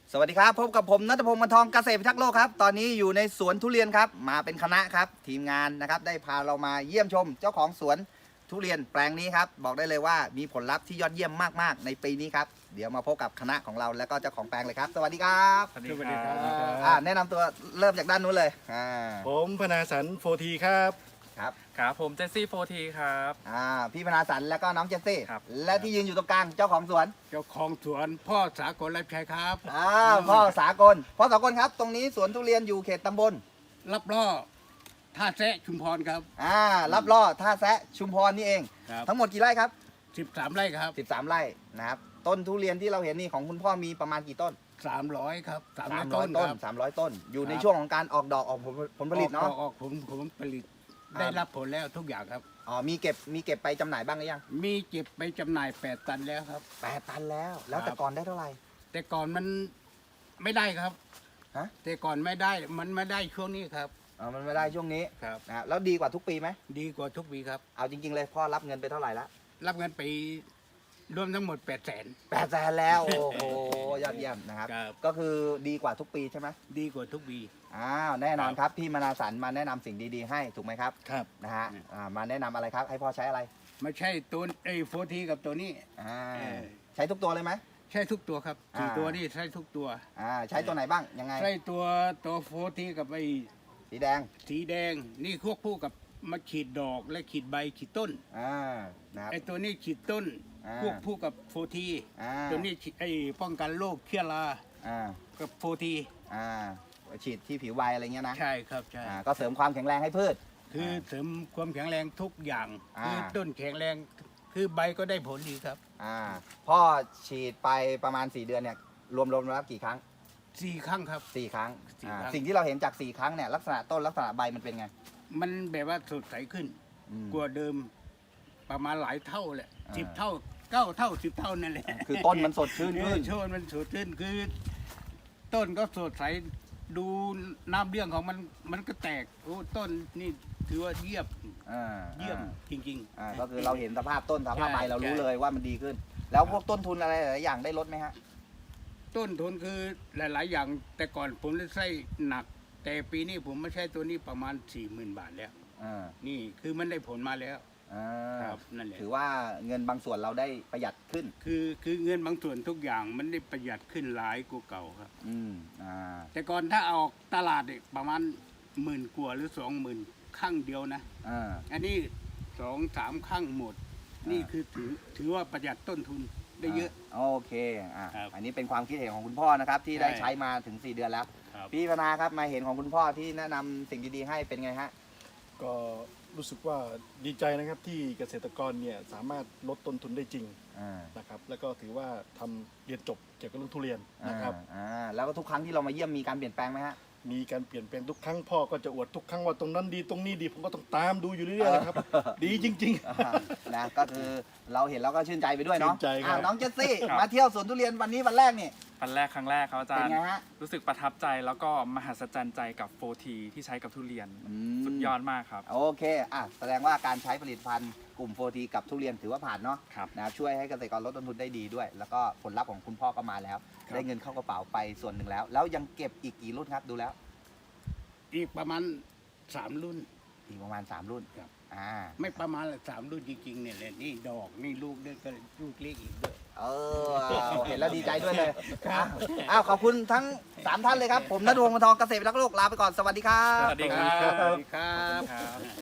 สวัสดีครับพบกับผมณัฐพงศ์ มนทองเกษตรพิทักษ์โลกครับตอนนี้อยู่ในสวนทุเรียนครับมาเป็นคณะครับทีมงานนะครับได้พาเรามาเยี่ยมชมเจ้าของสวนทุเรียนแปลงนี้ครับบอกได้เลยว่ามีผลลัพธ์ที่ยอดเยี่ยมมากๆในปีนี้ครับเดี๋ยวมาพบกับคณะของเราแล้วก็เจ้าของแปลงเลยครับสวัสดีครับสวัสดีครับแนะนำตัวเริ่มจากด้านนู้นเลยผมพนาสันโฟทีครับครับครับผมเจสซี่โฟทีครับพี่พนาสันแล้วก็น้องเจสซี่ครับและที่ยืนอยู่ตรงกลางเจ้าของสวนเจ้าของสวนพ่อสากลรับใช้ครับพ่อสากลครับตรงนี้สวนทุเรียนอยู่เขตตำบลรับล่อท่าแซะชุมพรครับรับล่อท่าแซะชุมพรนี่เองครับทั้งหมดกี่ไร่ครับ 13 ไร่ครับ 13 ไร่นะครับต้นทุเรียนที่เราเห็นนี่ของคุณพ่อมีประมาณกี่ต้น 300ครับ300 300 ต้ต้นนครับ 300 ต้น อยู่ในครับช่วงของการออกดอกออกผลผลิตเนาะออกผมผลิตได้รับผลแล้วทุกอย่างครับมีเก็บไปจำหน่ายบ้างหรือยังมีเก็บไปจำหน่าย8 ตันแล้วครับ 8 ตันแล้ว แล้วครับแต่ก่อนได้เท่าไหร่แต่ก่อนมันไม่ได้ครับฮะแต่ก่อนไม่ได้มันไม่ได้ช่วงนี้ครับมันไม่ได้ช่วงนี้ครับนะแล้วดีกว่าทุกปีไหมดีกว่าทุกปีครับเอาจริง ๆ เลยพ่อรับเงินไปเท่าไหร่ละรับเงินไปรวมทั้งหมด800,000 800,000แล้วโอ้โหยอดเยี่ยมนะครับครับก็คือดีกว่าทุกปีใช่ไหมดีกว่าทุกปีแน่นอนครับพี่มนาสันมาแนะนำสิ่งดีๆให้ถูกไหมครับครับนะฮะมาแนะนำอะไรครับให้พ่อใช้อะไรไม่ใช่ตัวโฟทีกับตัวนี้อ่าเออใช้ทุกตัวเลยไหมใช่ทุกตัวครับสี่อ่าตัวนี่ใช่ทุกตัวใช้ตัวไหนบ้างยังไงใช่ตัวโฟทีกับไอ้สีแดงสีแดงนี่ควบคู่กับมาขีดดอกและขีดใบขีดต้นนะครับไอ้ตัวนี้ขีดต้นอ่าควบคู่กับโฟทีอ่าตัวนี้ไอ้ป้องกันโรคเชื้อราอ่ากับโฟทีอ่าฉีดที่ผิวใบอะไรเงี้ยนะใช่ครับใช่ก็เสริมความแข็งแรงให้พืชคือเสริมความแข็งแรงทุกอย่างอ่าคือต้นแข็งแรงคือใบก็ได้ผลดีครับพ่อฉีดไปประมาณ 4 เดือนเนี่ยรวมแล้วกี่ครั้ง 4 ครั้งครับ 4 ครั้ง 4 ครั้งสิ่งที่เราเห็นจาก 4 ครั้งเนี่ยลักษณะต้นลักษณะใบมันเป็นไงมันแบบว่าสดใสขึ้นอืมกว่าเดิมประมาณหลายเท่าแหละอ่า 10 เท่า 9 เท่า 10 เท่านั่นแหละคือต้นมันสดชื่นขึ้นโชนมันสดชื่นคือ ต้นก็สดใสดูน้ำเรื่องของมันก็แตกโอ้ต้นนี่ถือว่าเยี่ยม เยี่ยมจริงก็คือเราเห็นสภาพต้นสภาพใบใช่เรารู้ใช่เลยว่ามันดีขึ้น แล้วพวกต้นทุนอะไรหลายๆอย่างได้ลดไหมฮะต้นทุนคือหลาย ๆ อย่าง แต่ก่อนผมได้ใช้หนัก แต่ปีนี้ผมไม่ใช้ตัวนี้ประมาณ 40,000 บาทแล้วอ่านี่คือมันได้ผลมาแล้วอ่าครับนั่นแหละถือว่าเงินบางส่วนเราได้ประหยัดขึ้นคือเงินบางส่วนทุกอย่างมันได้ประหยัดขึ้นหลายกว่าเก่าครับอืมอ่าแต่ก่อนถ้าออกตลาดเนี่ยประมาณ10,000 กว่าหรือ 20,000 ข้างเดียวนะอ่าอันนี้2-3 ข้างหมด นี่คือถือว่าประหยัดต้นทุนได้เยอะโอเคครับอันนี้เป็นความคิดเห็นของคุณพ่อนะครับ ที่ได้ใช่ใช้มาถึง 4 เดือนแล้วครับพี่พนาครับมาเห็นของคุณพ่อที่แนะนำสิ่งดีๆให้เป็นไงฮะก็รู้สึกว่าดีใจนะครับที่เกษตรกรเนี่ยสามารถลดต้นทุนได้จริงอ่านะครับแล้วก็ถือว่าทำเรียนจบเกี่ยวกับเรื่องทุเรียนนะครับแล้วก็ทุกครั้งที่เรามาเยี่ยมมีการเปลี่ยนแปลงไหมฮะมีการเปลี่ยนแปลงทุกครั้งพ่อก็จะอวดทุกครั้งว่าตรงนั้นดีตรงนี้ดีผมก็ต้องตามดูอยู่เรื่อยๆนะครับ ดีจริงนะก็คือเราเห็นแล้วก็ชื่นใจไปด้วยเนาะชื่นใจครับน้องเจสซี่ครับมาเที่ยวสวนทุเรียนวันนี้วันแรกนี่วันแรกครั้งแรกครับอาจารเป็นย์ไงฮะรู้สึกประทับใจแล้วก็มหัศจรรย์ใจกับโฟทีที่ใช้กับทุเรียน สุดยอดมากครับโอเคแสดงว่าการใช้ผลิตภัณฑ์กลุ่มโฟทีกับทุเรียนถือว่าผ่านเนาะครับนะช่วยให้เกษตรกรลดต้นทุนได้ดีด้วย แล้วก็ผลลัพธ์ของคุณพ่อก็มาแล้วครับได้เงินเข้ากระเป๋าไปส่วนหนึ่งแล้ว แล้วยังเก็บอีกกี่รุ่นครับดูแล้วอีกประมาณ 3 รุ่นอีกประมาณ 3 รุ่นครับไม่ไม่ประมาณละ3 รุ่นจริงๆเนี่ยแหละนี่ดอกนี่ลูกด้วยก็ลูกเล็กอีกด้วยเห็นแล้วดีใจด้วยเลยขอบคุณทั้ง 3 ท่านเลยครับ ผมณัฐพงศ์ มนทองเกษตรพิทักษ์โลกลาไปก่อนสวัสดีครับสวัสดีครับสวัสดีครับครับ